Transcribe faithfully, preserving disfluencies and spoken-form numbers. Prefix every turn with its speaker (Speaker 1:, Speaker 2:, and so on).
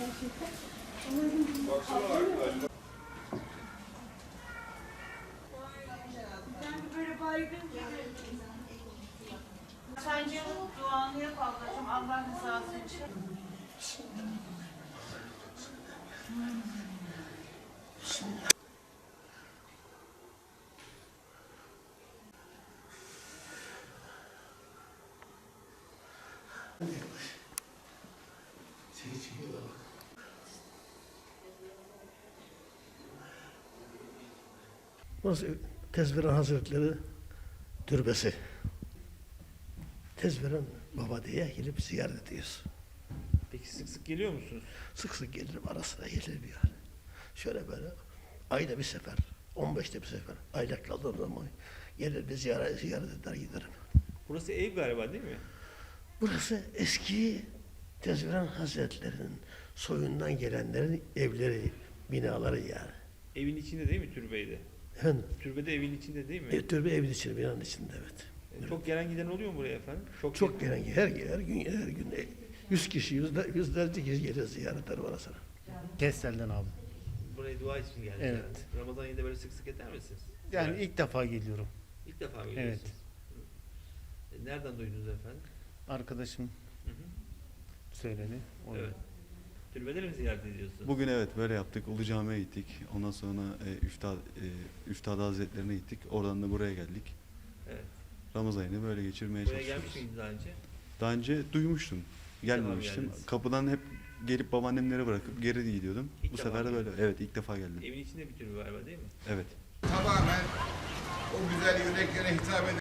Speaker 1: Böyle baygın gibi. Sence duanı yap ablacığım Allah rızası için.
Speaker 2: Burası Tezviran Hazretleri türbesi. Tezviran Baba diye gelip ziyaret ediyoruz.
Speaker 3: Peki sık sık geliyor musunuz?
Speaker 2: Sık sık gelirim, ara sıra gelirim yani. Şöyle böyle ayda bir sefer, on beşte bir sefer, aylak kaldığım zaman gelir bir ziyaret, ziyaret eder giderim.
Speaker 3: Burası ev galiba değil mi?
Speaker 2: Burası eski Tezviran Hazretleri'nin soyundan gelenlerin evleri, binaları yani.
Speaker 3: Evin içinde değil mi türbeyde?
Speaker 2: Efendim,
Speaker 3: Türbede evin içinde değil mi?
Speaker 2: ev, türbe evin içinde, binanın içinde evet.
Speaker 3: E, Çok gelen giden oluyor mu buraya efendim? Çok,
Speaker 2: Çok gelen, her, her gün, her gün e, yüz kişi, yüzler, yüzlerce kişi geliyor ziyaretler var sana.
Speaker 4: Kestel'den abi.
Speaker 3: Buraya dua için geldiniz.
Speaker 4: Evet.
Speaker 3: herhalde. Ramazan ayında böyle sık sık eder misiniz?
Speaker 4: Yani
Speaker 3: Evet.
Speaker 4: ilk defa geliyorum.
Speaker 3: İlk defa mı geliyorsunuz? Evet. E, Nereden duydunuz efendim?
Speaker 4: Arkadaşım
Speaker 3: Hı hı.
Speaker 4: söyledi. O
Speaker 3: Evet. Türbeleri mi ziyaret ediyorsunuz?
Speaker 5: Bugün evet böyle yaptık. Ulu Cami'ye gittik. Ondan sonra e, Üftad, e, Üftad Hazretlerine gittik. Oradan da buraya geldik.
Speaker 3: Evet.
Speaker 5: Ramazan ayını böyle geçirmeye
Speaker 3: Buraya gelmiş
Speaker 5: çalışıyoruz.
Speaker 3: miydiniz daha önce?
Speaker 5: Daha önce duymuştum. Gelmemiştim.
Speaker 3: geldiniz.
Speaker 5: Kapıdan hep gelip babaannemleri bırakıp geri gidiyordum.
Speaker 3: İlk
Speaker 5: Bu
Speaker 3: defa
Speaker 5: sefer de böyle.
Speaker 3: geldiniz.
Speaker 5: Evet ilk defa geldim.
Speaker 3: Evin içinde bir türbe galiba değil mi?
Speaker 5: Evet.
Speaker 6: Tamamen o güzel yüreklere hitap eden